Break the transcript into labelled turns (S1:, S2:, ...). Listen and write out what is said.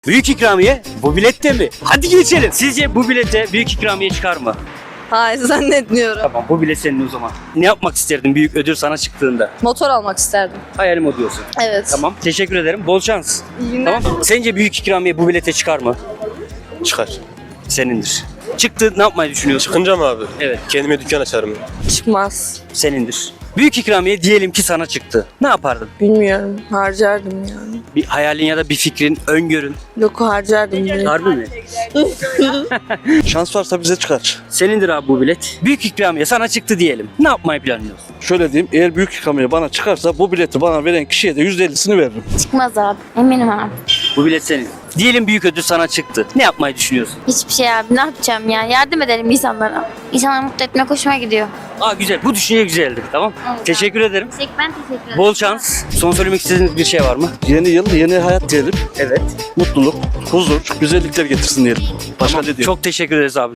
S1: Büyük ikramiye bu bilette mi? Hadi geçelim. Sizce bu bilete büyük ikramiye çıkar mı?
S2: Hayır zannetmiyorum.
S1: Tamam, bu bilet senin o zaman. Ne yapmak isterdin büyük ödül sana çıktığında?
S2: Motor almak isterdim.
S1: Hayalim o diyorsun.
S2: Evet.
S1: Tamam, teşekkür ederim. Bol şans.
S2: İyi günler.
S1: Tamam. Sence büyük ikramiye bu bilete çıkar mı?
S3: Çıkar.
S1: Senindir. Çıktı, ne yapmayı düşünüyorsun?
S3: Çıkınca mı abi?
S1: Evet.
S3: Kendime dükkan açarım.
S2: Çıkmaz.
S1: Senindir. Büyük ikramiye diyelim ki sana çıktı. Ne yapardın?
S2: Bilmiyorum. Harcardım yani.
S1: Bir hayalin ya da bir fikrin, öngörün.
S2: Yok harcardım direkt.
S1: Harbi mi?
S4: Şans varsa bize çıkar.
S1: Senindir abi bu bilet. Büyük ikramiye sana çıktı diyelim. Ne yapmayı planlıyorsun?
S4: Şöyle diyeyim, eğer büyük ikramiye bana çıkarsa bu bileti bana veren kişiye de %50'sini veririm.
S5: Çıkmaz abi. Eminim abi.
S1: Bu bilet senin. Diyelim büyük ödül sana çıktı. Ne yapmayı düşünüyorsun?
S5: Hiçbir şey abi. Ne yapacağım ya? Yardım edelim insanlara. İnsanları mutlu etmek hoşuma gidiyor.
S1: Aa güzel. Bu düşünce güzeldi. Tamam.
S5: Evet.
S1: Teşekkür ederim.
S5: Ben teşekkür ederim.
S1: Bol şans. Son söylemek istediğiniz bir şey var mı?
S4: Yeni yıl, yeni hayat diyelim.
S1: Evet.
S4: Mutluluk, huzur, güzellikler getirsin diyelim. Başka ne diyeyim?
S1: Çok teşekkür ederiz abi.